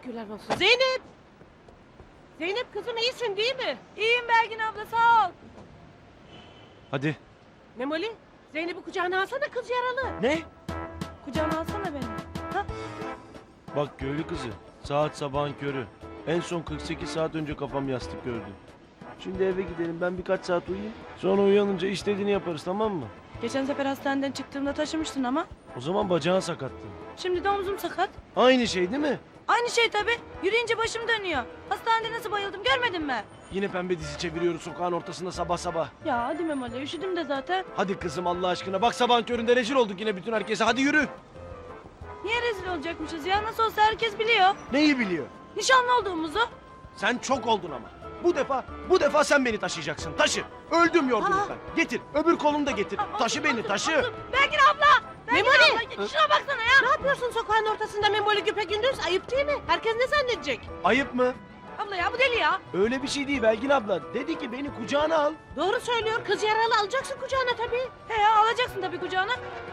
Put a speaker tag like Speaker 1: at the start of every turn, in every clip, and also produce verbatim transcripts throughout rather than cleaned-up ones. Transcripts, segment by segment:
Speaker 1: Şükürler olsun. Zeynep! Zeynep kızım iyisin değil mi?
Speaker 2: İyiyim Belgin abla sağ ol.
Speaker 3: Hadi.
Speaker 1: Memoli, Zeynep'i kucağına alsana kız yaralı.
Speaker 3: Ne?
Speaker 2: Kucağına alsana beni. Ha?
Speaker 3: Bak köylü kızı. Saat sabahın körü. En son kırk sekiz saat önce kafam yastık gördü. Şimdi eve gidelim, ben birkaç saat uyuyayım. Sonra uyanınca istediğini yaparız, tamam mı?
Speaker 2: Geçen sefer hastaneden çıktığımda taşımıştın ama.
Speaker 3: O zaman bacağın sakattı.
Speaker 2: Şimdi de omzum sakat.
Speaker 3: Aynı şey değil mi?
Speaker 2: Aynı şey tabii. Yürüyünce başım dönüyor. Hastanede nasıl bayıldım görmedin mi?
Speaker 3: Yine pembe dizi çeviriyoruz sokağın ortasında sabah sabah.
Speaker 2: Ya hadi Memoli üşüdüm de zaten.
Speaker 3: Hadi kızım Allah aşkına, bak sabahın köründe rezil olduk yine bütün herkese, hadi yürü.
Speaker 2: Niye rezil olacakmışız ya? Nasıl olsa herkes biliyor.
Speaker 3: Neyi biliyor?
Speaker 2: Nişanlı olduğumuzu.
Speaker 3: Sen çok oldun ama. Bu defa, bu defa sen beni taşıyacaksın. Taşı. Öldüm yorgunluktan. Getir. Öbür kolunu da getir. Taşı beni, taşı.
Speaker 2: Belgin abla! Belgin
Speaker 1: Memoli!
Speaker 2: abla şuna baksana ya.
Speaker 1: Ne yapıyorsun sokağın ortasında Memoli güpegündüz? Ayıp değil mi? Herkes ne zannedecek?
Speaker 3: Ayıp mı?
Speaker 2: Abla ya bu deli ya.
Speaker 3: Öyle bir şey değil Belgin abla. Dedi ki beni kucağına al.
Speaker 1: Doğru söylüyor. Kız yaralı alacaksın kucağına tabii.
Speaker 2: He ya alacaksın tabii kucağına.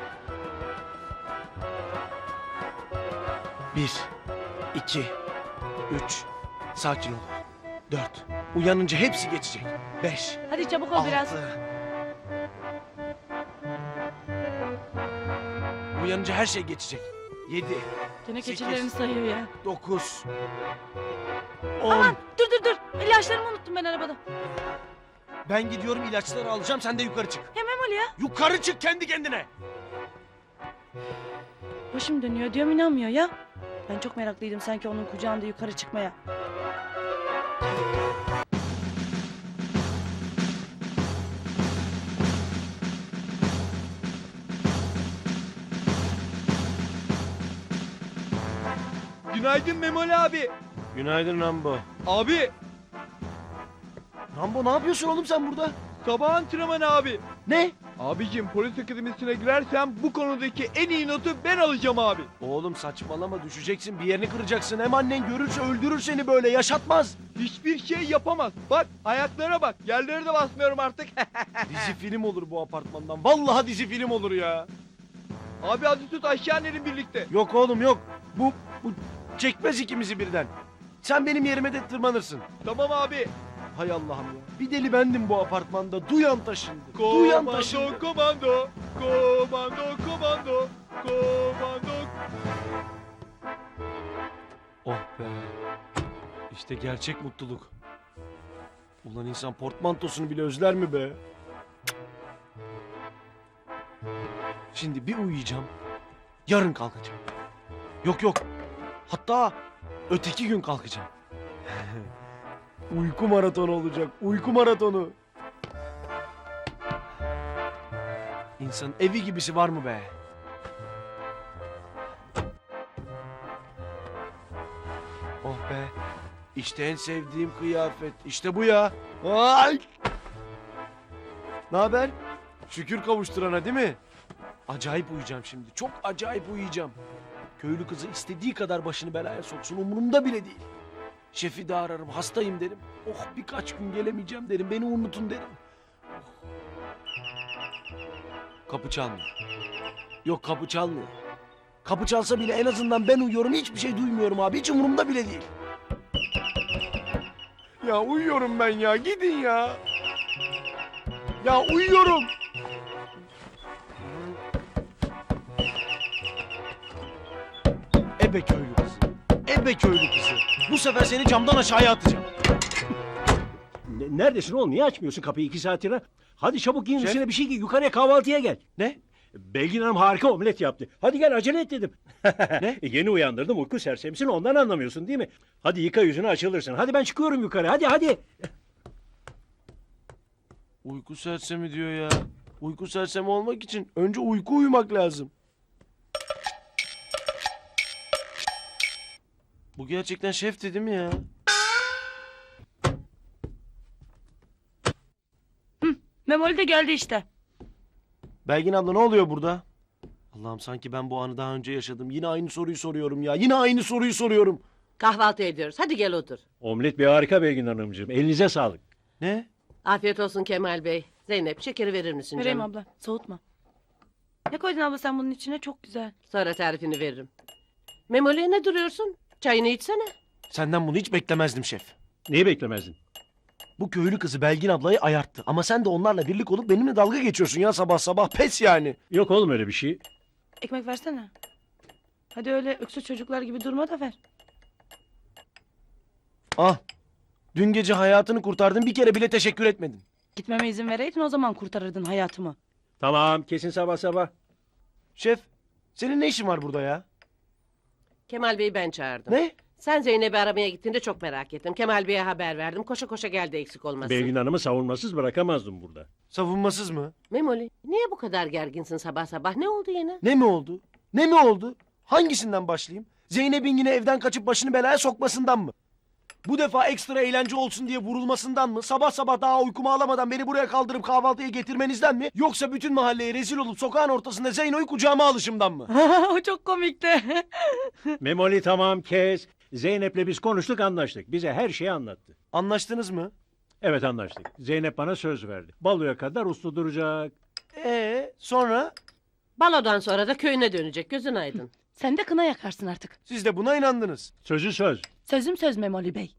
Speaker 3: Bir, iki, üç. Sakin ol. Dört. Uyanınca hepsi geçecek. Beş,
Speaker 2: Hadi çabuk ol biraz.
Speaker 3: altı. Uyanınca her şey geçecek. Yedi,
Speaker 2: Gene
Speaker 3: sekiz.
Speaker 2: keçilerini sayıyor ya.
Speaker 3: dokuz, on.
Speaker 2: Aman dur dur dur. İlaçlarımı unuttum ben arabada.
Speaker 3: Ben gidiyorum, ilaçları alacağım, sen de yukarı çık.
Speaker 2: He Memoli ya.
Speaker 3: Yukarı çık kendi kendine.
Speaker 2: Başım dönüyor diyorum inanmıyor ya. Ben çok meraklıydım sanki onun kucağında yukarı çıkmaya.
Speaker 4: Günaydın Memoli abi.
Speaker 3: Günaydın Rambo.
Speaker 4: Abi
Speaker 3: Rambo ne yapıyorsun oğlum sen burada?
Speaker 4: sabah antrenmanı abi.
Speaker 3: Ne?
Speaker 4: Abicim polis akademisine girersem bu konudaki en iyi notu ben alacağım abi.
Speaker 3: Oğlum saçmalama, düşeceksin, bir yerini kıracaksın. Hem annen görürse öldürür seni, böyle yaşatmaz.
Speaker 4: Hiçbir şey yapamaz. Bak ayaklara bak. Yerlere de basmıyorum artık.
Speaker 3: Dizi film olur bu apartmandan. Vallahi dizi film olur ya.
Speaker 4: Abi hadi tut aşağı inelim birlikte.
Speaker 3: Yok oğlum yok. Bu, bu çekmez ikimizi birden. Sen benim yerime de tırmanırsın.
Speaker 4: Tamam abi.
Speaker 3: Hay Allah'ım ya. Bir deli bendim bu apartmanda. Duyan taşındı. Duyan taşındı.
Speaker 4: Komando, komando, komando, komando, komando.
Speaker 3: Oh be. İşte gerçek mutluluk. Ulan insan portmantosunu bile özler mi be? Şimdi bir uyuyacağım. Yarın kalkacağım. Yok yok. Hatta öteki gün kalkacağım. Uyku maratonu olacak. Uyku maratonu. İnsanın evi gibisi var mı be? Oh be. İşte en sevdiğim kıyafet. İşte bu ya. Ay! Ne haber? Şükür kavuşturana değil mi? Acayip uyuyacağım şimdi. Çok acayip uyuyacağım. Köylü kızı istediği kadar başını belaya soksun, umurumda bile değil. Şefi de ararım, hastayım derim. Oh birkaç gün gelemeyeceğim derim, beni unutun derim. Oh. Kapı çalmıyor. Yok kapı çalmıyor. Kapı çalsa bile en azından ben uyuyorum, hiçbir şey duymuyorum abi. Hiç umurumda bile değil. Ya uyuyorum ben ya, gidin ya. Ya uyuyorum. Ebe köylü kızı. Ebe köylü kızı. Bu sefer seni camdan aşağıya atacağım.
Speaker 5: Ne- Neredesin oğlum? Niye açmıyorsun kapıyı iki saattir? Ha? Hadi çabuk giyin
Speaker 3: Şef.
Speaker 5: üstüne bir şey giy. Yukarıya kahvaltıya gel.
Speaker 3: Ne?
Speaker 5: Belgin Hanım harika omlet yaptı. Hadi gel acele et dedim.
Speaker 3: Ne?
Speaker 5: Yeni uyandırdım uyku sersemisin ondan anlamıyorsun değil mi? Hadi yıka yüzünü açılırsın. Hadi ben çıkıyorum yukarı. Hadi hadi.
Speaker 3: Uyku sersemi diyor ya. Uyku sersemi olmak için önce uyku uyumak lazım. Bu gerçekten şefti değil mi ya?
Speaker 2: Memoli de geldi işte.
Speaker 3: Belgin abla ne oluyor burada? Allah'ım sanki ben bu anı daha önce yaşadım. Yine aynı soruyu soruyorum ya. Yine aynı soruyu soruyorum.
Speaker 1: Kahvaltı ediyoruz. Hadi gel otur.
Speaker 5: Omlet bir harika Belgin Hanımcığım. Elinize sağlık.
Speaker 3: Ne?
Speaker 1: Afiyet olsun Kemal Bey. Zeynep şekeri verir misin
Speaker 2: Vereyim
Speaker 1: canım?
Speaker 2: abla soğutma. Ne koydun abla sen bunun içine çok güzel.
Speaker 1: Sonra tarifini veririm. Memoli'ye ne duruyorsun? Çayını içsene.
Speaker 3: Senden bunu hiç beklemezdim şef.
Speaker 5: Neyi beklemezdin?
Speaker 3: Bu köylü kızı Belgin ablayı ayarttı. Ama sen de onlarla birlik olup benimle dalga geçiyorsun ya sabah sabah. Pes yani.
Speaker 5: Yok oğlum öyle bir şey.
Speaker 2: Ekmek versene. Hadi öyle öksüz çocuklar gibi durma da ver.
Speaker 3: Ah. Dün gece hayatını kurtardın, bir kere bile teşekkür etmedin.
Speaker 2: Gitmeme izin vereydin o zaman kurtarırdın hayatımı.
Speaker 5: Tamam kesin sabah sabah.
Speaker 3: Şef, senin ne işin var burada ya?
Speaker 1: Kemal Bey'i ben çağırdım.
Speaker 3: Ne?
Speaker 1: Sen Zeynep'i aramaya gittiğinde çok merak ettim. Kemal Bey'e haber verdim. Koşa koşa geldi eksik olmasın.
Speaker 5: Belgin Hanım'ı savunmasız bırakamazdım burada.
Speaker 3: Savunmasız mı?
Speaker 1: Memoli niye bu kadar gerginsin sabah sabah? Ne oldu yine?
Speaker 3: Ne mi oldu? Ne mi oldu? Hangisinden başlayayım? Zeynep'in yine evden kaçıp başını belaya sokmasından mı? Bu defa ekstra eğlence olsun diye vurulmasından mı? Sabah sabah daha uykumu alamadan beni buraya kaldırıp kahvaltıya getirmenizden mi? Yoksa bütün mahalleye rezil olup sokağın ortasında Zeyno'yu kucağıma alışımdan mı?
Speaker 2: O çok komikti.
Speaker 5: Memoli tamam kes. Zeynep'le biz konuştuk anlaştık. Bize her şeyi anlattı.
Speaker 3: Anlaştınız mı?
Speaker 5: Evet anlaştık. Zeynep bana söz verdi. Baloya kadar uslu duracak.
Speaker 3: Ee, sonra
Speaker 1: Balodan sonra da köyüne dönecek. Gözün aydın.
Speaker 2: Sen de kına yakarsın artık.
Speaker 3: siz de buna inandınız.
Speaker 5: Sözü söz.
Speaker 2: Sözüm söz Memoli Bey.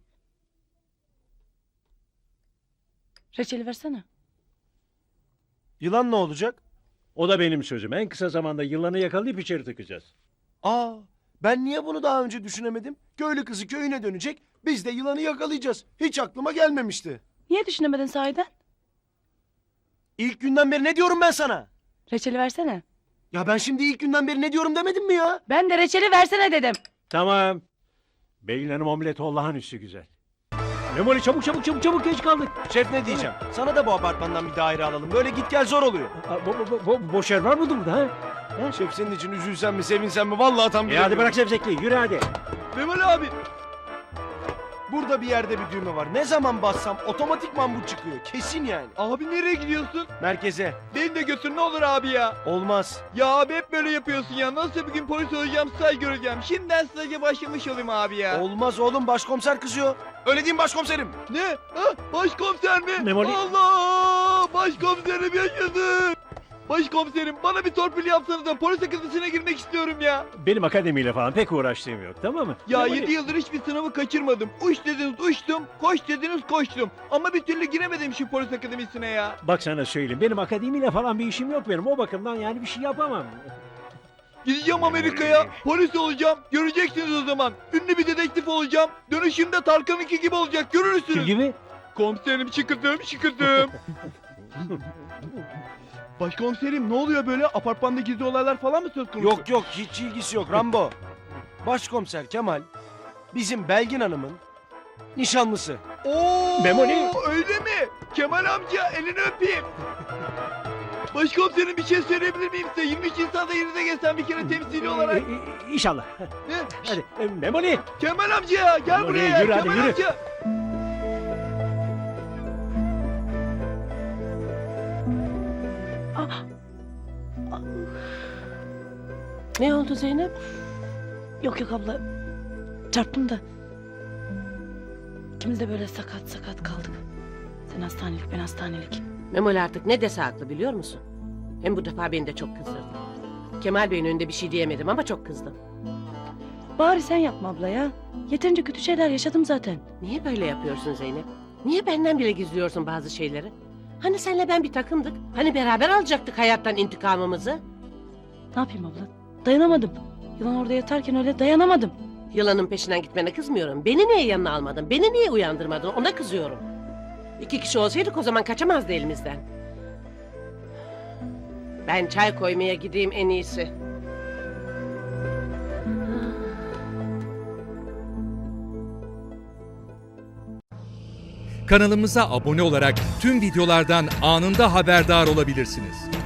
Speaker 2: Reçeli versene.
Speaker 3: Yılan ne olacak?
Speaker 5: O da benim sözüm. En kısa zamanda yılanı yakalayıp içeri tıkacağız.
Speaker 3: Aa, ben niye bunu daha önce düşünemedim? Köylü kızı köyüne dönecek, biz de yılanı yakalayacağız. Hiç aklıma gelmemişti.
Speaker 2: Niye düşünemedin sahiden?
Speaker 3: İlk günden beri ne diyorum ben sana?
Speaker 2: Reçeli versene.
Speaker 3: Ya ben şimdi ilk günden beri ne diyorum demedim mi ya?
Speaker 2: Ben de reçeli versene dedim.
Speaker 5: Tamam. Belgin Hanım omleti olağanüstü güzel. Memoli çabuk çabuk çabuk çabuk geç kaldık.
Speaker 3: Şef ne diyeceğim? Sana da bu apartmandan bir daire alalım. Böyle git gel zor oluyor.
Speaker 5: Aa, bo, bo, bo, boş yer var mıdır burada ha?
Speaker 3: Şef senin için üzülsen mi sevinsen mi? Vallahi tam
Speaker 5: E hadi
Speaker 3: bilemiyorum.
Speaker 5: bırak zevzekliği yürü hadi.
Speaker 4: Memoli abi.
Speaker 3: Burada bir yerde bir düğme var. Ne zaman bassam otomatikman bu çıkıyor. Kesin yani.
Speaker 4: Abi nereye gidiyorsun?
Speaker 3: Merkeze.
Speaker 4: Beni de götür ne olur abi ya.
Speaker 3: Olmaz.
Speaker 4: Ya abi hep böyle yapıyorsun ya. Nasıl bir gün polis olacağım, staj göreceğim. Şimdiden staja başlamış olayım abi ya.
Speaker 3: Olmaz oğlum, başkomiser kızıyor. Öyle değil mi başkomiserim?
Speaker 4: Ne? Ha, başkomiser mi?
Speaker 5: Memoli-
Speaker 4: Allah! Başkomiserim yaşadı. Başkomiserim bana bir torpil yapsanız da polis akademisi'ne girmek istiyorum ya.
Speaker 5: Benim akademiyle falan pek uğraştığım yok tamam mı?
Speaker 4: Ya
Speaker 5: Memoli-
Speaker 4: yedi yıldır hiçbir sınavı kaçırmadım. Uç dediniz uçtum, koş dediniz koştum. Ama bir türlü giremedim şu polis akademisine ya.
Speaker 5: Bak sana söyleyeyim benim akademiyle falan bir işim yok benim. O bakımdan yani bir şey yapamam.
Speaker 4: Gideceğim Amerika'ya, polis olacağım. Göreceksiniz o zaman. Ünlü bir dedektif olacağım. Dönüşümde Tarkan'ınki gibi olacak. Görürsünüz.
Speaker 5: Kim gibi?
Speaker 4: Komiserim şıkıdım şıkıdım. Başkomiserim ne oluyor böyle? Apartmanda gizli olaylar falan mı söz konusu?
Speaker 3: Yok yok, hiç ilgisi yok Rambo. Başkomiser Kemal bizim Belgin Hanım'ın nişanlısı.
Speaker 4: Oo,
Speaker 5: Memoli.
Speaker 4: öyle mi? Kemal amca elini öpeyim. Başkomiserim bir şey söyleyebilir miyim size? yirmi üç Nisan'da yerine geçsem bir kere temsili olarak.
Speaker 5: E, e, İnşallah.
Speaker 4: Ne?
Speaker 5: Hadi e, Memoli.
Speaker 4: Kemal amca gel
Speaker 5: Memoli,
Speaker 4: buraya.
Speaker 5: yürü hadi,
Speaker 4: Kemal
Speaker 5: yürü.
Speaker 4: amca.
Speaker 1: Ne oldu Zeynep?
Speaker 2: Yok yok abla. Çarptım da. İkimiz de böyle sakat sakat kaldık. Sen hastanelik ben hastanelik.
Speaker 1: Memoli artık ne dese haklı biliyor musun? Hem bu defa beni de çok kızdırdı. Kemal Bey'in önünde bir şey diyemedim ama çok kızdım.
Speaker 2: Bari sen yapma abla ya. Yeterince kötü şeyler yaşadım zaten.
Speaker 1: Niye böyle yapıyorsun Zeynep? Niye benden bile gizliyorsun bazı şeyleri? Hani senle ben bir takımdık? Hani beraber alacaktık hayattan intikamımızı?
Speaker 2: Ne yapayım abla? Dayanamadım. Yılan orada yatarken öyle dayanamadım.
Speaker 1: Yılanın peşinden gitmene kızmıyorum. Beni niye yanına almadın? Beni niye uyandırmadın? Ona kızıyorum. İki kişi olsaydık o zaman kaçamazdı elimizden. Ben çay koymaya gideyim en iyisi.
Speaker 6: Kanalımıza abone olarak tüm videolardan anında haberdar olabilirsiniz.